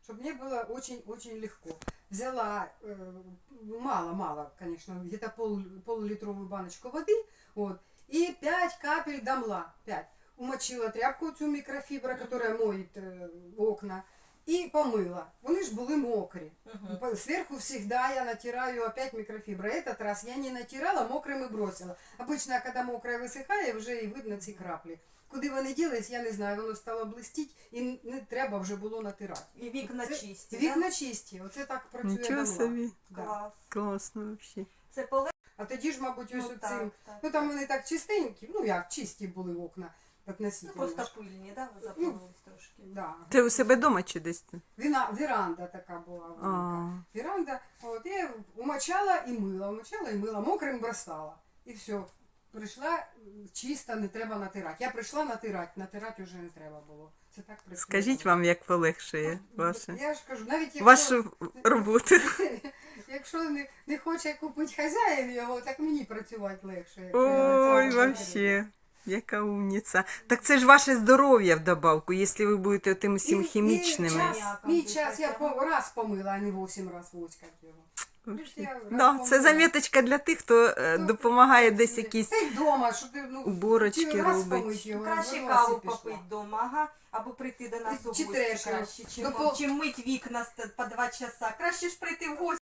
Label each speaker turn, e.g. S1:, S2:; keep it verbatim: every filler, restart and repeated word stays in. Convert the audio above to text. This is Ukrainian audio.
S1: чтобы мне было очень-очень легко. Взяла мало-мало, э, конечно, где-то пол, полулитровую баночку воды, вот, и пять капель домла, пять. Умочила тряпку цю микрофибра, которая моет э, окна, и помыла. Вони ж були мокрі. Uh-huh. Сверху всегда я натираю опять микрофибра. Этот раз я не натирала, мокрым и бросила. Обычно, когда мокрое висихає, вже і видно ці краплі. Куди вони ділись, я не знаю, воно стало блистіть і не треба вже було натирати.
S2: І вікна
S1: Це,
S2: чисті,
S1: Вікна
S2: да?
S1: чисті, оце так працює
S3: Нічого
S1: давно.
S3: собі.
S1: Да.
S2: Клас.
S3: Класно взагалі.
S2: Це поле...
S1: А тоді ж, мабуть, ось
S2: Ну,
S1: оцим,
S2: так, так,
S1: ну там вони так чистенькі, ну як, чисті були окна,
S2: Ну,
S1: относительно.
S2: просто пильні, да? Ви запалились трошки.
S1: Да.
S3: Ти у себе вдома чи десь?
S1: Віна, віранда така була велика.
S3: А.
S1: Віранда, от, я умочала і мила, умочала і мила, мокрим бросала. І все. Прийшла чисто, не треба натирати. Я прийшла натирати, натирати вже не треба було. Це так працює.
S3: Скажіть вам, як полегшує ваше,
S1: Я ж кажу, навіть якщо,
S3: вашу роботу.
S1: якщо не, не хоче купити хазяїн його, так мені працювати легше. якщо я на цьому
S3: Ой,
S1: натирю.
S3: вообще. Яка умниця. Так це ж ваше здоров'я в добавку, якщо ви будете тим усім
S1: І- і
S3: хімічними.
S1: час, мій час я по, раз помила, а не вісім раз воськати його.
S3: Вообще.
S1: Я раз
S3: Да, це
S1: помила.
S3: заміточка для тих, хто е, допомагає десь якісь
S1: Та й вдома, що ти, ну,
S3: уборочки
S1: хотів раз
S3: робить.
S1: помить його,
S2: Краще
S1: розвернулась
S2: каву
S1: і пішла.
S2: попити вдома, ага, або прийти до нас у
S1: Чи
S2: гості
S1: трешку.
S2: краще, чим,
S1: До пол-
S2: чим мить вікна по два часа. Краще ж прийти в гості.